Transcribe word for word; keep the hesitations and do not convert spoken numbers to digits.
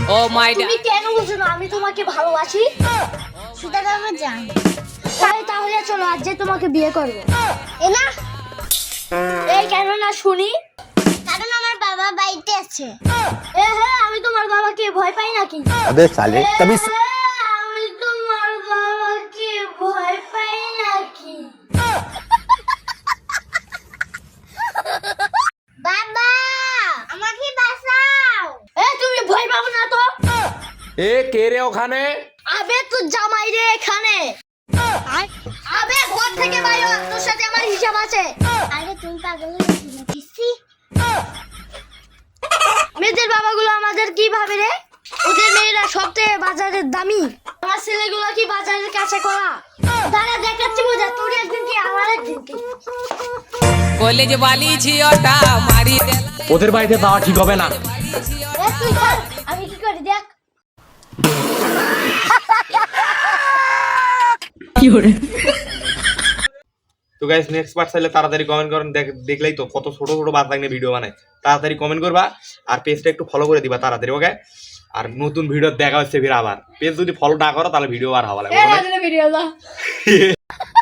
ও মাই তুমি কেন বুঝো না আমি তোমাকে ভালোবাসি? সেটা তো আমি জানি। তাই তাহলে চলো আজ যে তোমাকে বিয়ে করবো। এ না, এই কেন না শুনি? কারণ আমার বাবা বাড়িতে আছে। এ হ্যাঁ, আমি তোমার বাবাকে ভয় পাই নাকি? अबे साले तभी এ, আমি তোমার বাবাকে ভয় পাই নাকি? বাবা, আমাকে বাঁচাও। এ তুমি ভয় পাবো না তো? এ কে রে ওখানে? আবে তো জামাই রে এখানে। আবে ঘর থেকে বাইরে হ, তোর সাথে আমার হিসাব আছে। আরে তুমি পাগল হয়েছি নাকি? ছি। মেয়েদের বাবাগুলো আমাদের কি ভাবে রে? ওদের মেয়েরা সবচেয়ে বাজারের দামি। আমার ছেলেগুলো কি বাজারের কাছে করা? দাঁড়া দেখাচ্ছি মজা, তোর একদিন কি আমার একদিন কি। কলেজ বালি ঝিওটা মারি দেলা ওদের বাড়িতে যাওয়া ঠিক হবে না। এ তুই থাক, আমি কি করি দেখ। তো গাইস নেক্সট পার্ট চাইলে তাড়াতাড়ি কমেন্ট করেন। দেখ- দেখলেই তো কত ছোট ছোট বাচ্চা নিয়ে ভিডিও বানায়। তাড়াতাড়ি কমেন্ট করবা আর পেজটা একটু ফলো করে দিবা তাড়াতাড়ি, ওকে? আর নতুন ভিডিও দেখা হচ্ছে ফির আবার। পেজ যদি ফলো না করো তাহলে ভিডিও আর হওয়া লাগবে। ভিডিও